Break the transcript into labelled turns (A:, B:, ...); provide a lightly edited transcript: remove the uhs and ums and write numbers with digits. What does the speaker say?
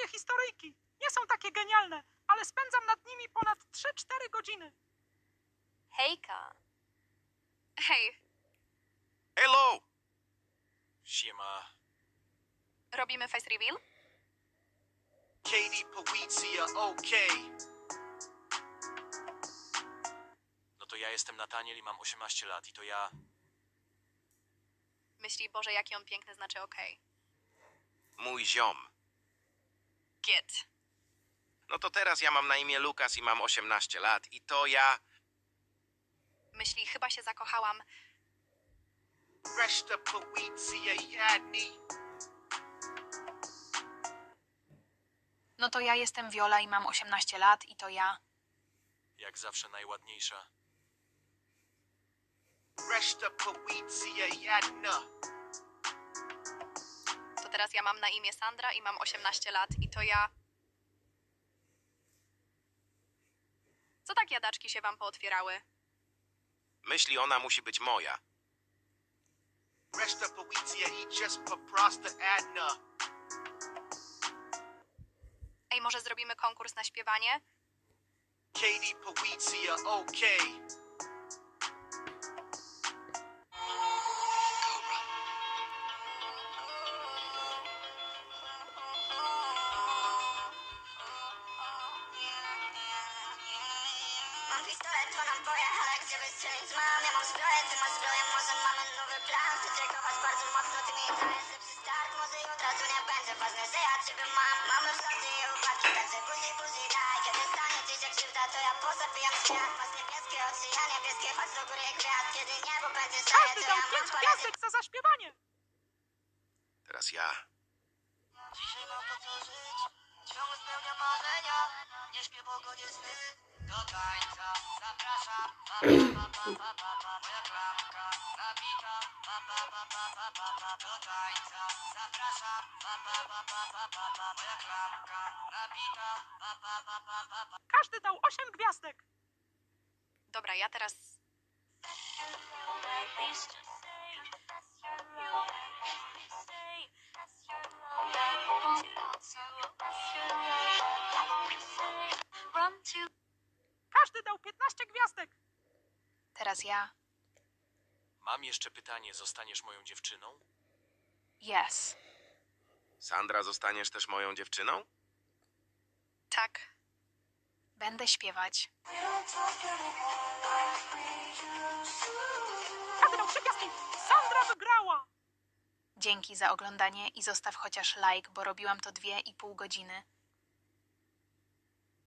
A: moje historyjki. Nie są takie genialne, ale spędzam nad nimi ponad 3-4 godziny.
B: Hejka. Hej,
C: Hello! Siema.
B: robimy face reveal?
C: Katie Pawizia, okej. No to ja jestem Nataniel i mam 18 lat i to ja...
B: Myśli, Boże, jaki on piękny, znaczy okej.
D: Mój ziom.
B: Git.
D: No to teraz ja mam na imię Lukas i mam 18 lat i to ja...
B: Myśli, chyba się zakochałam.
C: Reszta Pawizia, jadni.
B: No to ja jestem Viola i mam 18 lat i to ja...
C: Jak zawsze najładniejsza. Reszta Pawizia, jadna.
B: To teraz ja mam na imię Sandra i mam 18 lat i to ja... Co tak jadaczki się wam pootwierały?
D: Myśli, ona musi być moja.
C: Reszta Pawizia i just poprosta adna.
B: Ej, może zrobimy konkurs na śpiewanie?
C: Katie Pawizia, okej.
E: Mam pistolet, to naboje, ale gdzie wystrzelić mam? Ja mam zbroję, ty masz zbroję, może mamy nowy plan. Chcę trackować bardzo mocno, ty mi dajesz lepszy start. Może i od razu nie będzie ważne, że ja ciebie mam. Mamy wzloty i upadki, także buzi daj. Kiedy stanie ci się krzywda, to ja pozabijam świat. Masz niebieskie oczy, ja niebieskie, chodź do góry gwiazd. Kiedy niebo będzie szare,
A: Każdy
E: to
A: dał
E: ja mam
A: 5
E: parę
A: gwiazdek za zaśpiewanie.
D: Teraz ja.
E: Dzisiaj mam po co żyć, ciągle spełniam marzenia. Nie śpię, bo gonię sny. Do tańca zapraszam, moja klamka nabita. Do tańca zapraszam, moja klamka nabita.
A: Każdy dał 8 gwiazdek.
B: Dobra, ja teraz...
A: Każdy dał 15 gwiazdek.
B: Teraz ja...
C: Mam jeszcze pytanie, zostaniesz moją dziewczyną?
B: Yes.
D: Sandra, zostaniesz też moją dziewczyną?
B: Tak. Będę śpiewać.
A: Każdy dał 3 gwiazdki. Sandra wygrała.
B: Dzięki za oglądanie i zostaw chociaż like, bo robiłam to 2,5 godziny.